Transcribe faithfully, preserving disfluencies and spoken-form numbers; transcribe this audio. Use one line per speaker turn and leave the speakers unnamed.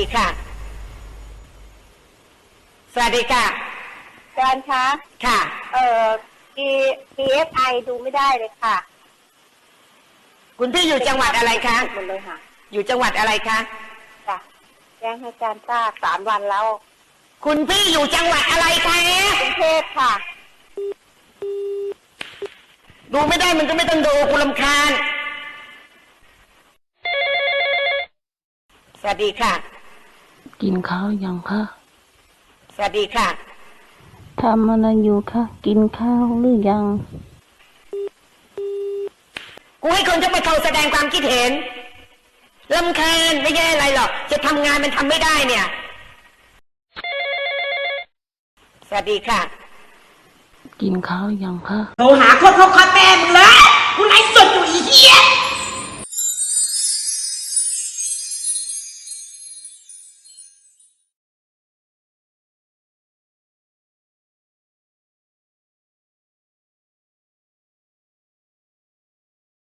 ดีค่ะสวัสดีค่ะ
อาจารย์คะ
ค่ะ
เอ่อ P พี เอส ไอ ดูไม่ได้เลยค่ะ
คุณพี่อยู่จังหวัดอะไรคะ
หมดเลยค่ะ
อยู่จังหวัดอะไรคะ
จ้ะแจ้งให้อาจารย์ทราบสามวันแล้ว
คุณพี่อยู่จังหวัดอะไรคะ
กรุงเทพค่ะ
ดูไม่ได้มันก็ไม่ต้องดูกูรำคาญสวัสดีค่ะ
กินข้าวยังคะ
สวัสดีค่ะ
ทำอะไรอยู่คะกินข้าวหรือยัง
กูให้คนจะมาเขาแสดงความคิดเห็นรำคาญไม่ใช่อะไรหรอกจะทำงานมันทำไม่ได้เนี่ยสวัสดีค่ะ
กินข้าวยังคะ
โทรหาโคตรโคตรแม่มึงเลย